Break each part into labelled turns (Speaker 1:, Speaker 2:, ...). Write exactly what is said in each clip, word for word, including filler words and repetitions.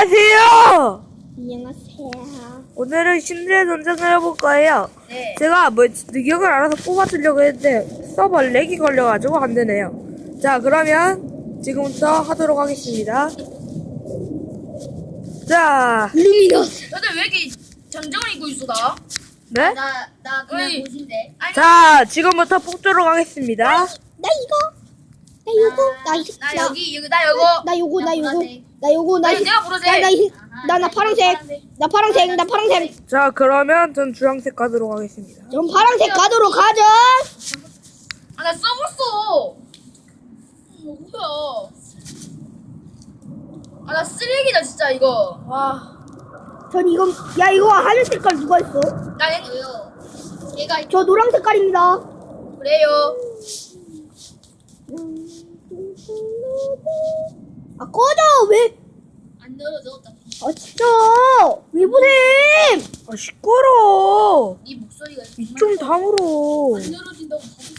Speaker 1: 안녕하세요.
Speaker 2: 안녕하세요.
Speaker 1: 오늘은 신들의 전쟁을 해볼 거예요.
Speaker 3: 네.
Speaker 1: 제가 뭐 능력을 알아서 뽑아주려고 했는데 서버 렉이 걸려가지고 안 되네요. 자, 그러면 지금부터 하도록 하겠습니다. 자,
Speaker 2: 루미너스.
Speaker 3: 너들 왜 이렇게 정정을 입고 있어 나?
Speaker 1: 네?
Speaker 2: 나, 나 그냥
Speaker 3: 어이.
Speaker 2: 보신데.
Speaker 3: 아니
Speaker 1: 자, 지금부터 뽑도록 하겠습니다.
Speaker 2: 나 이거. 나 요거. 나, 이-
Speaker 3: 나
Speaker 2: 나,
Speaker 3: 여기 여기 나 요거
Speaker 2: 나 요거. 나
Speaker 3: 나
Speaker 2: 요거.
Speaker 3: 보라색.
Speaker 2: 나 요거. 나
Speaker 3: 아니,
Speaker 2: 이-
Speaker 3: 내가 보라색.
Speaker 2: 나, 나, 이-
Speaker 3: 아하,
Speaker 2: 나, 나
Speaker 3: 나
Speaker 2: 파란색.
Speaker 3: 파란색.
Speaker 2: 나 파란색. 나 파란색.
Speaker 1: 자, 그러면 전 주황색 가도록 하겠습니다.
Speaker 2: 전 파란색 가도록 하죠.
Speaker 3: 아 나 써봤어. 어, 뭐야? 아 나 쓰레기다 진짜 이거. 와.
Speaker 2: 전 이건, 야, 이거 하늘 색깔 누가 했어?
Speaker 3: 나 얘요. 얘가
Speaker 2: 저 노랑 색깔입니다.
Speaker 3: 그래요.
Speaker 2: 아, 꺼져! 왜?
Speaker 3: 안 늘어져.
Speaker 2: 아, 진짜! 왜 보셈!
Speaker 1: 아, 시끄러워.
Speaker 3: 네 목소리가
Speaker 1: 입 좀 다물어.
Speaker 3: 안 늘어진다고 바보.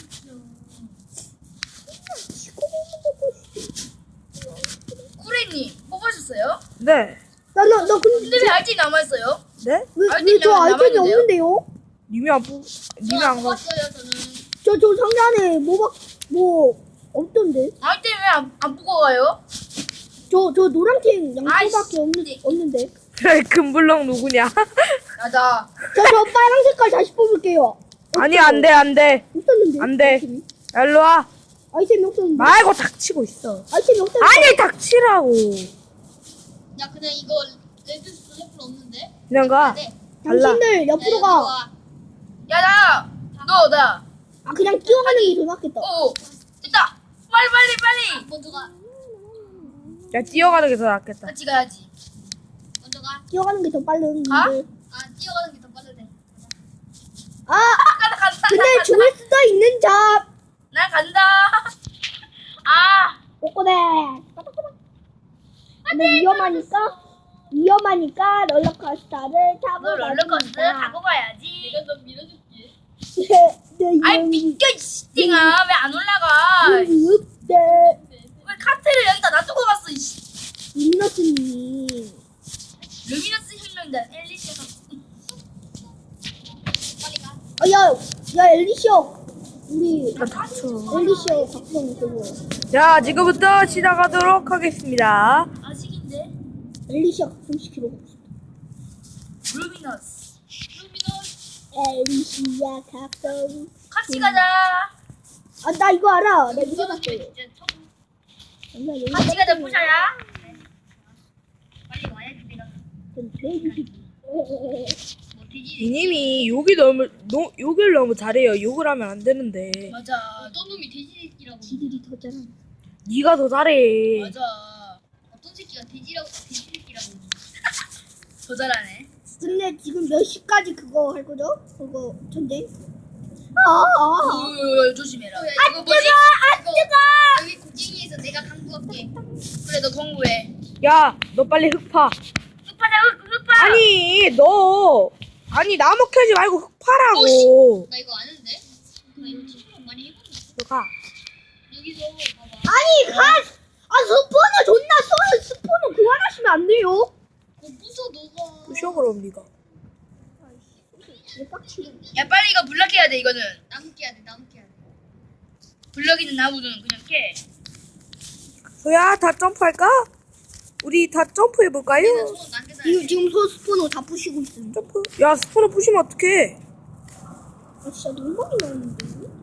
Speaker 3: 꾸레님 뽑으셨어요?
Speaker 1: 네.
Speaker 2: 나, 나, 나 근데,
Speaker 3: 근데 왜 알지 남아있어요?
Speaker 1: 네?
Speaker 2: 왜,
Speaker 3: 아이템이
Speaker 2: 왜 저 아이템이
Speaker 3: 남아있는데요?
Speaker 2: 없는데요?
Speaker 1: 님이 안 뽑, 님이 안 가.
Speaker 3: 뽑았어요 저는.
Speaker 2: 저, 저 상자 안에 뭐, 막, 뭐, 없던데?
Speaker 3: 아이템 왜안 안 뽑고 가요?
Speaker 2: 저, 저 노란색 양초밖에
Speaker 3: 아이씨.
Speaker 2: 없는, 없는데.
Speaker 1: 금블럭 누구냐?
Speaker 3: 나다.
Speaker 2: 저, 저 빨간 색깔 다시 뽑을게요.
Speaker 1: 아니, 안 돼, 안 돼.
Speaker 2: 없었는데.
Speaker 1: 안 돼.
Speaker 2: 아이템이,
Speaker 1: 일로 와.
Speaker 2: 아이템이 없었는데.
Speaker 1: 말고 닥치고 있어.
Speaker 2: 아이템이 없었는데.
Speaker 1: 아니, 닥치라고.
Speaker 3: 야 그냥 이거 레드 스프레플 없는데?
Speaker 1: 그냥 가. 달라.
Speaker 2: 당신들 옆으로 가.
Speaker 3: 야나 너 나.
Speaker 2: 아, 그냥 뛰어가는 게 더 낫겠다.
Speaker 3: 오 됐다. 빨리 빨리 빨리. 먼저 가.
Speaker 1: 야, 뛰어가는 게 더 낫겠다.
Speaker 3: 같이 가야지. 먼저 가.
Speaker 2: 뛰어가는 게 더 빠른
Speaker 3: 가?
Speaker 2: 분들.
Speaker 3: 아 뛰어가는 게 더 빠르네.
Speaker 2: 아,
Speaker 3: 간다 간다.
Speaker 2: 근데
Speaker 3: 간다,
Speaker 2: 죽을 수도 있는 잡.
Speaker 3: 나 간다. 아.
Speaker 2: 꼬꼬대. 근데 위험하니까, 위험하니까 롤러코스터를 타고
Speaker 3: 너 롤러코스터 타고 가야지. 내가 너 밀어줄게.
Speaker 2: 네,
Speaker 3: 아이 비켜 이 씨띵아 왜 안 올라가?
Speaker 2: 네.
Speaker 3: 왜 카트를 여기다 놔두고 갔어 이씨.
Speaker 2: 루미너스님.
Speaker 3: 루미너스 혁명자 엘리시아. 빨리 가.
Speaker 2: 아, 야, 야, 엘리시오. 우리,
Speaker 1: 아, 닥쳐.
Speaker 2: 엘리시오 각성 그거.
Speaker 1: 자, 지금부터 시작하도록 하겠습니다.
Speaker 3: 아식인데?
Speaker 2: 엘리시오 각성시키러 갑시다.
Speaker 3: 루미너스. 루미너스.
Speaker 2: 엘리시아 각성.
Speaker 3: 같이 가자.
Speaker 2: 아, 나 이거 알아. 나 이거 해봤어요.
Speaker 3: 진짜 처음.
Speaker 2: 나 여기
Speaker 3: 같이 가자 부자야. 빨리 와야지 내가.
Speaker 2: 좀 돼지.
Speaker 3: 뭐 돼지.
Speaker 1: 이님이 욕이 너무, 노, 욕을 너무 잘해요. 욕을 하면 안 되는데.
Speaker 3: 맞아. 어떤 놈이 돼지새끼라고.
Speaker 2: 지들이 더 잘하.
Speaker 1: 네가 더 잘해.
Speaker 3: 맞아. 어떤 새끼가 돼지라고 돼지새끼라고. 더 잘하네.
Speaker 2: 근데 지금 몇 시까지 그거 할 거죠? 그거 전쟁? 아, 아.
Speaker 3: 오, 조심해라. 이거 뭐지? 아 뜨거. 여기 고갱이에서 내가 강구할게. 그래 너 공부해.
Speaker 1: 야, 너 빨리 흙 파.
Speaker 3: 흑파자 흑 흑파.
Speaker 1: 아니, 너. 아니, 나무 캐지 말고 흙 파라고.
Speaker 3: 나 이거 아는데? 나 이거 친구랑 많이 해봤는데.
Speaker 1: 너 가.
Speaker 3: 여기서 봐봐.
Speaker 2: 아니, 가! 아, 스포너 존나 써요. 스포너 그만하시면 안 돼요.
Speaker 3: 어 부숴 너가.
Speaker 1: 부셔, 그럼 네가.
Speaker 2: 왜 빡치게.
Speaker 3: 야 빨리 이거 블럭 해야 돼 이거는. 나무 깨야 돼 나무 깨야 돼. 블럭 있는 나무는 그냥 깨.
Speaker 1: 소야, 다 점프할까? 우리 다 점프해볼까요?
Speaker 3: 손 남겨놔야
Speaker 2: 지금,
Speaker 3: 돼.
Speaker 2: 지금 소 스포너 다 부시고 있어요.
Speaker 1: 점프. 야, 스포너 부시면 어떡해.
Speaker 2: 아, 진짜 너무 많이 나오는데.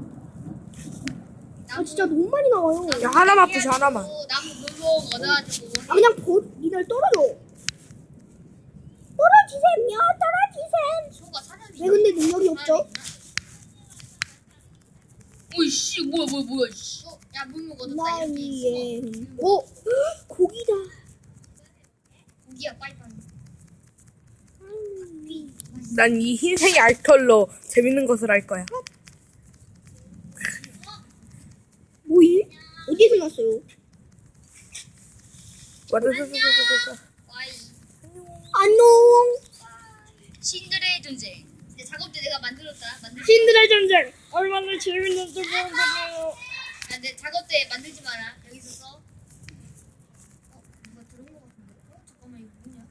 Speaker 2: 아, 진짜 너무 많이 나와요.
Speaker 1: 야, 하나만 부셔, 하나만.
Speaker 3: 나무 물로 얻어가지고.
Speaker 2: 아, 그냥 보, 니들 떨어져. 떨어지셈요, 떨어지셈.
Speaker 3: 소가 사람이.
Speaker 2: 왜 근데 능력이 없죠?
Speaker 3: 오이씨 뭐야 뭐야 뭐야 씨. 어, 야 물목 얻었다 이렇게.
Speaker 2: 나이에. 오, 헉, 고기다.
Speaker 3: 고기야 빨리빨리.
Speaker 1: 난 이 흰색 알털로 재밌는 것을 할 거야.
Speaker 2: 뭐이? 어디서 났어요?
Speaker 1: 와다다다다다다.
Speaker 3: 와이.
Speaker 2: 안녕.
Speaker 3: 신들의 전쟁. 이제 작업대 내가 만들었다. 만들.
Speaker 2: 신들의 전쟁. 얼마나 재밌는 작업이에요.
Speaker 3: 야, 내 작업대 만들지 마라. 여기서 써. 어, 누가 들은 거 같은데. 어, 잠깐만 이거 뭐냐?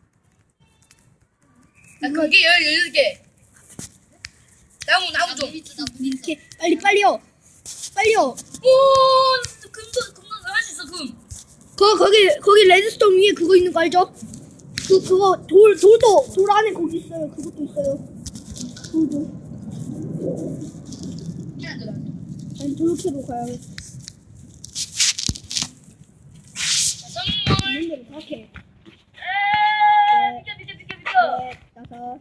Speaker 3: 나 그게 열여덟 개. 나무 나무 좀.
Speaker 2: 이렇게 빨리 빨리요. 빨리요.
Speaker 3: 오 금도 금도 할 수 있어 금.
Speaker 2: 거 거기 거기 레드스톤 위에 그거 있는 거 알죠? 그 그거 돌 돌도 돌 안에 거기 있어요. 그것도 있어요. 돌도.
Speaker 3: 하나 더.
Speaker 2: 아니 저렇게로 가야겠어.
Speaker 3: 선물.
Speaker 2: 있는 대로 다 캐.
Speaker 3: 에 비켜 비켜 비켜 비켜.
Speaker 2: 네, 다섯.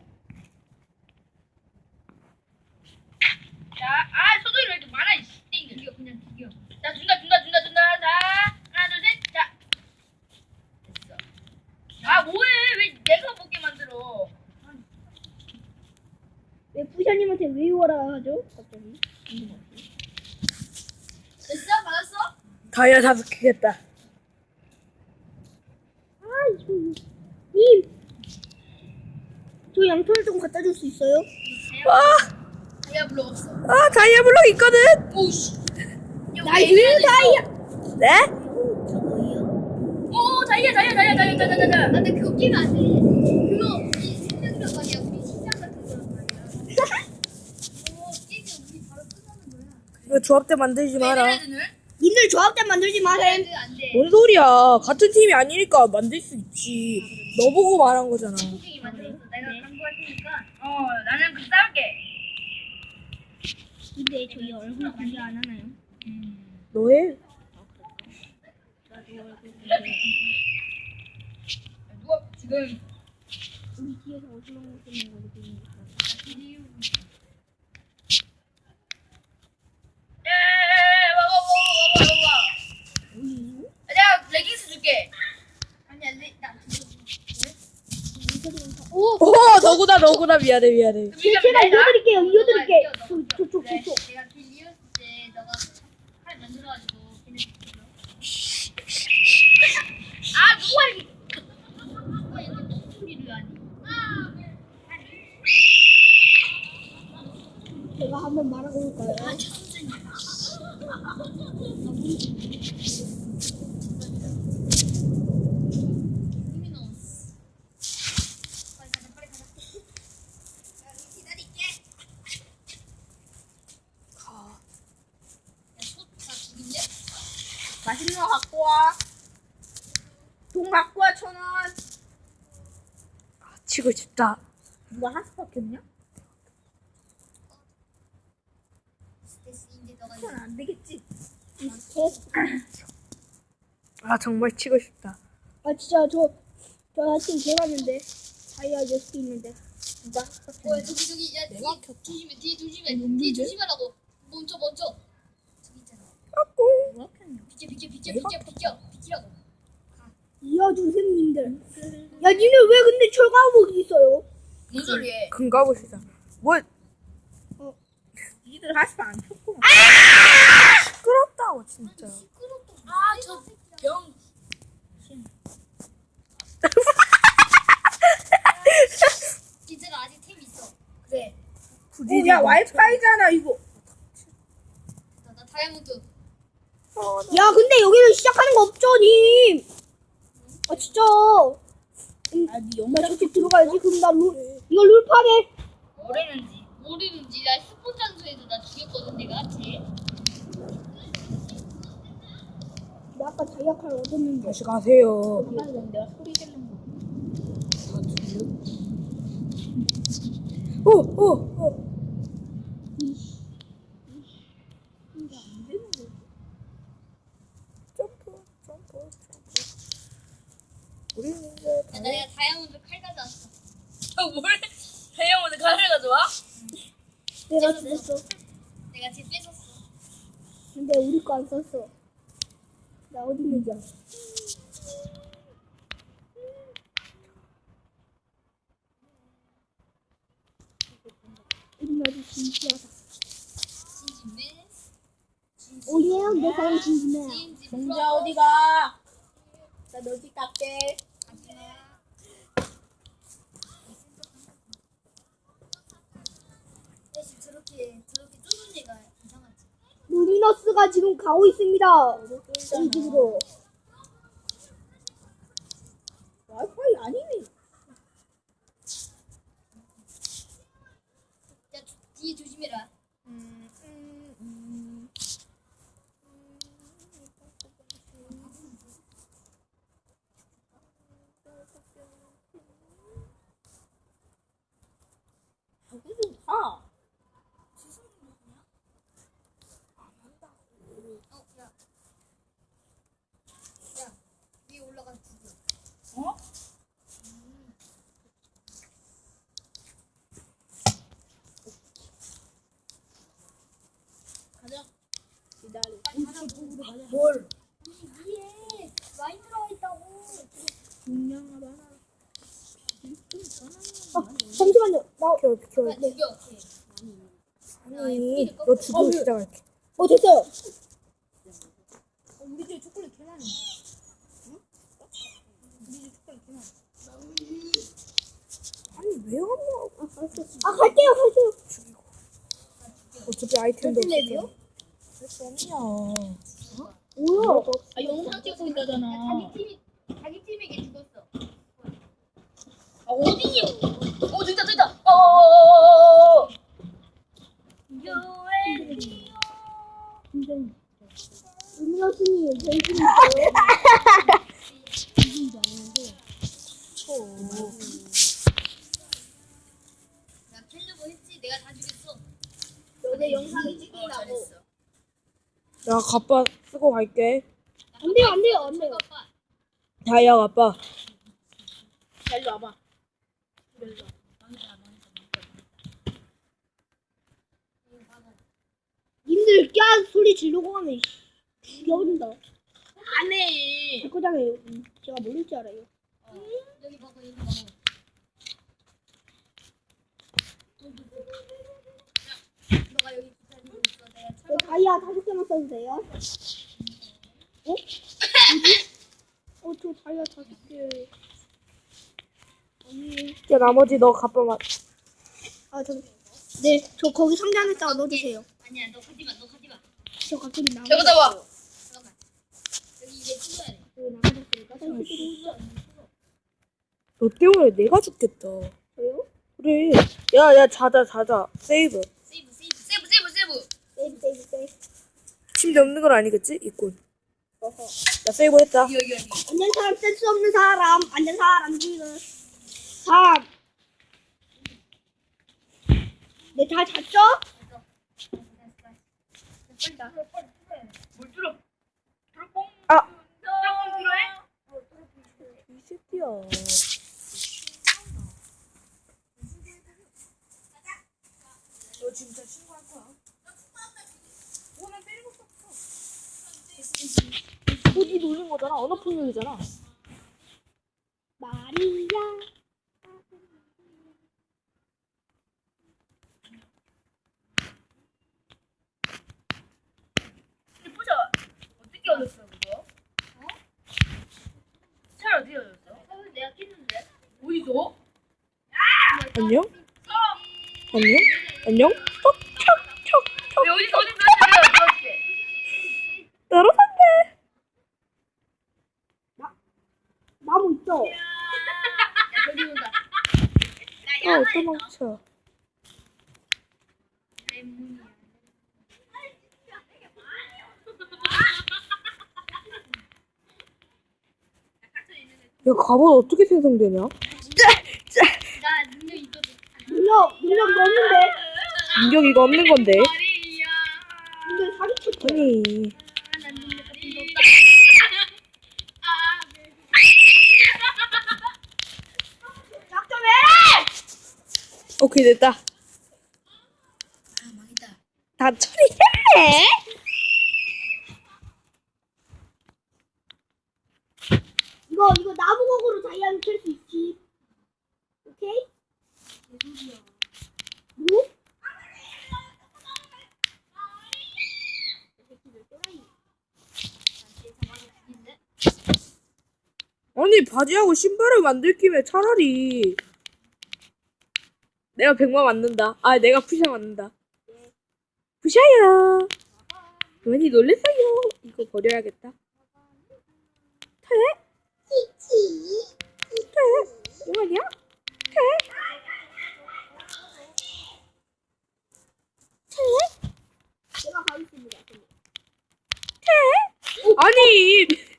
Speaker 3: 자, 아 소도이 왜 이렇게 많아 이 띵. 이거 그냥 튀겨. 자 준다 준다 준다 준다. 자 하나 둘 셋. 자. 됐어. 아 뭐해? 왜 내가 먹게 만들어?
Speaker 2: 왜 부샤님한테 왜 오라 하죠? 갑자기.
Speaker 3: 됐어? 받았어?
Speaker 1: 다이아 다섯 개겠다.
Speaker 2: 아 이거 님. 저 양털 좀 갖다 줄 수 있어요?
Speaker 1: 와,
Speaker 3: 다이아 블록 없어.
Speaker 1: 아 다이아 블록 있거든.
Speaker 3: 오씨.
Speaker 2: 나이스 다이아.
Speaker 1: 네?
Speaker 2: 저거요?
Speaker 3: 오 다이아 다이아 다이아 다이아 다이아 다이아.
Speaker 4: 아, 근데 그거 끼면 안 돼. 그거 우리 생명력 아니야. 우리 심장 같은 거란 말이야. 어, 끼면 우리 바로 끝나는 거야.
Speaker 1: 이거 조합 때 만들지 마라.
Speaker 3: 레드는?
Speaker 2: 님들 조합대 만들지 마셈.
Speaker 4: 그래도 안 돼.
Speaker 1: 뭔 소리야? 같은 팀이 아니니까 만들 수 있지. 너 보고 말한 거잖아.
Speaker 4: 선생님이 만들었어. 내가 광고할 테니까.
Speaker 3: 어 나는 그 싸울게.
Speaker 2: 근데 저희 얼굴 공개 안 하나요?
Speaker 1: 너 해?
Speaker 3: 누가 지금
Speaker 2: 우리 뒤에서 어지러운 거 때문에 거기
Speaker 3: 예 먹어 먹어 먹어 먹어. 내가 레깅스 줄게.
Speaker 4: 아니, 안 돼. 나
Speaker 2: 오!
Speaker 1: 오, 너구나, 너구나. 미안해, 미안해.
Speaker 2: 제- 제가 이어드릴게요. 이어드릴게.
Speaker 4: 너가
Speaker 2: 저, 저, 저,
Speaker 4: 그래,
Speaker 2: 저, 저.
Speaker 4: 내가 길 이었을 때 너가 칼 만들어가지고 걔네 죽여.
Speaker 3: 아 누가 이렇게
Speaker 4: 누가 이렇게 소리를 하니?
Speaker 2: 제가 한번 말하고 올까요?
Speaker 4: 아, 천천히. 루미너스. 빨리 가자, 빨리 가자. 야, 우리 기다릴게. 야, 소다 죽인데?
Speaker 2: 맛있는 거 갖고 와. 돈 갖고 와, 천 원.
Speaker 1: 아, 치고 싶다.
Speaker 2: 누가 하스밖에 없냐?
Speaker 4: 됐어, 이제 너가
Speaker 2: 천 안 되겠지.
Speaker 1: 아, 정말 치고 싶다.
Speaker 2: 아, 진짜 저, 저 지금 개봤는데. 다이아 여섯 개 있는데. 누가 하스밖에
Speaker 4: 어,
Speaker 2: 없냐?
Speaker 4: 저기 저기 야 뒤에
Speaker 2: 내가
Speaker 4: 조심해 뒤에 조심해
Speaker 2: 없는데?
Speaker 4: 뒤에 조심하라고 멈춰 멈춰 저기 있잖아
Speaker 1: 아꿍.
Speaker 2: 누가 켰냐?
Speaker 4: 비켜 비켜 비켜 비켜 비켜 비키라고
Speaker 2: 이어주세요, 님들. 야, 니네 왜 근데 철가복이 있어요?
Speaker 3: 뭔 소리해?
Speaker 1: 금가보시다. 뭐,
Speaker 2: 니들 하스 안 켰구나.
Speaker 1: 시끄럽다고, 진짜.
Speaker 3: 아저병
Speaker 4: 진짜로 아직 템 있어
Speaker 3: 그래.
Speaker 1: 부지지.
Speaker 2: 야, 와이파이잖아, 이거.
Speaker 4: 나, 나 다이아몬드
Speaker 2: 야, 근데 여기는 시작하는 거 없죠, 님? 아, 진짜. 음, 나 저쪽 들어가야지. 그럼 나 룰, 이거 룰 파괴.
Speaker 3: 뭐랬는지.
Speaker 4: 모르는지 나 스폰 장소에서 나 죽였거든 내가 쟤
Speaker 2: 나 아까 다이아칼 얻었는데.
Speaker 1: 다시 가세요.
Speaker 2: 내가 소리 지르는 거.
Speaker 1: 오, 오, 오. 점프, 점프, 점프. 우리는 이제
Speaker 4: 야,
Speaker 1: 다
Speaker 4: 나 내가 다이아몬드 칼 가져왔어
Speaker 3: 아 뭘? 다이아몬드 칼을 가져와?
Speaker 2: 내가 죽었어.
Speaker 4: 내가 쟤 뺏었어
Speaker 2: 근데 우리 거 안 썼어. 나 어디 있는지 알아. 우리 아주 진지하다.
Speaker 4: 진진맨
Speaker 2: 오예, 내 사람 진지해.
Speaker 4: 진진
Speaker 2: 정자 어디가? 나 너지 깎게.
Speaker 4: 대신 저렇게 저렇게 좁은 데가 이상하지
Speaker 2: 루미너스가 지금 가고 있습니다. 이 집으로. 와이파이 아니네.
Speaker 3: 뭘?
Speaker 4: 위에 많이 들어가 있다고.
Speaker 2: 아, 잠시만요. 나,
Speaker 1: 비켜 비켜.
Speaker 3: 나 죽여.
Speaker 1: 아니 너 죽이고 시작할게.
Speaker 2: 어, 됐어요.
Speaker 3: 어, 우리 집에 초콜릿 개 많이. 응? 우리 집에 초콜릿 개 많이.
Speaker 1: 아니 왜 왔냐고.
Speaker 2: 아, 갈게요, 갈게요.
Speaker 1: 어차피 아이템도
Speaker 3: 랩이요?
Speaker 1: 없어. 할수 없냐.
Speaker 2: 뭐야?
Speaker 3: 아 영상 찍고 있다잖아.
Speaker 4: 자기 팀이 자기 팀에게 죽었어.
Speaker 3: 아 어디요? 어 진짜 진짜. 어. 유엔티오.
Speaker 2: 음료수님, 저희
Speaker 4: 나 캘리버 했지. 내가 다 죽였어.
Speaker 2: 여기 영상을
Speaker 3: 어
Speaker 2: 찍는다고.
Speaker 3: 잘했어.
Speaker 1: 나 갑바 쓰고 갈게.
Speaker 2: 안 돼요, 안 돼요, 안 돼요.
Speaker 4: 오빠.
Speaker 1: 다이아 갑바.
Speaker 3: 자 일로 와봐.
Speaker 2: 님들 까 소리 지르고 하면 죽여버린다.
Speaker 3: 안해.
Speaker 2: 제 거잖아요. 제가 모를 줄 알아요.
Speaker 4: 어. 여기 봐봐 여기 봐봐. 너가 여기 기다리고 있어. 내가
Speaker 2: 저
Speaker 4: 철거.
Speaker 2: 다이아 다섯 개만 써도 돼요? 어? 뭐지? 어, 저 다이아 다섯 개. 아니,
Speaker 1: 야 나머지 너 갑바 맞.
Speaker 2: 아, 저, 네, 저 거기 상자 안에다가 넣어주세요.
Speaker 4: 아니야 너 가지 마. 너 가지 마.
Speaker 2: 저 가끔이 나가.
Speaker 3: 저거다 봐.
Speaker 4: 잠깐만. 여기 이제 찍어야 돼.
Speaker 2: 여기 나가졌으니까. 저요?
Speaker 1: 너 때문에 내가 죽겠다. 그래. 야야 자자 자자. 세이브.
Speaker 4: 세이브 세이브 세이브 세이브 세이브.
Speaker 2: 세이브, 세이브, 세이브.
Speaker 1: 침대 없는 건 아니겠지? 있군.
Speaker 2: 어허.
Speaker 1: 나 세이브 했다.
Speaker 3: 여기 여기 여기.
Speaker 2: 앉은 사람, 쓸 수 없는 사람. 앉은 사람, 지금. 삼. 네, 다 잤죠?
Speaker 4: 빨리 나.
Speaker 3: 뭘 뚫어? 뚫어 뽕.
Speaker 1: 아.
Speaker 3: 뚫어 필요해?
Speaker 1: 이 새끼야.
Speaker 3: 너 진짜 신고할 거야? 오늘 때리고 싶어.
Speaker 1: 어디 놀린 거잖아. 언어 폭력이잖아.
Speaker 2: 마리아.
Speaker 3: 근데 보자. 어떻게 얻었어 그거? 어? 잘 어떻게 얻었어?
Speaker 4: 사실 내가 깼는데.
Speaker 3: 어디서?
Speaker 1: 안녕? 안녕? 안녕? 척척척척
Speaker 3: 왜 어디서 어디서 내가 얻었지?
Speaker 1: 떨어졌네.
Speaker 2: 나무 있죠?
Speaker 4: 야 저기 온다.
Speaker 1: 아 어떤 망쳐.
Speaker 4: lem문이야.
Speaker 1: 야 갑옷 어떻게 생성되냐?
Speaker 4: 나 능력 있거든.
Speaker 2: 능력, 능력 없는데?
Speaker 1: 능력 이거 없는 건데.
Speaker 3: 마리아.
Speaker 2: 능력 사기쳤죠?
Speaker 1: 아니.
Speaker 4: 난 능력 같은 거 없다.
Speaker 2: 작전 왜 해!
Speaker 1: 오케이 됐다.
Speaker 3: 아 망했다.
Speaker 1: 다 처리해.
Speaker 2: 이거, 이거 나무곡으로 다이아를 캘 수 있지. 오케이? 뭐?
Speaker 1: 아니 바지하고 신발을 만들 김에 차라리 내가 백만 만든다. 아 내가 푸샤 만든다. 푸샤야. 많이 놀랬어요. 이거 버려야겠다. 퇴? 퇴? 뭐하냐?
Speaker 2: 제가 가겠습니다.
Speaker 1: 아니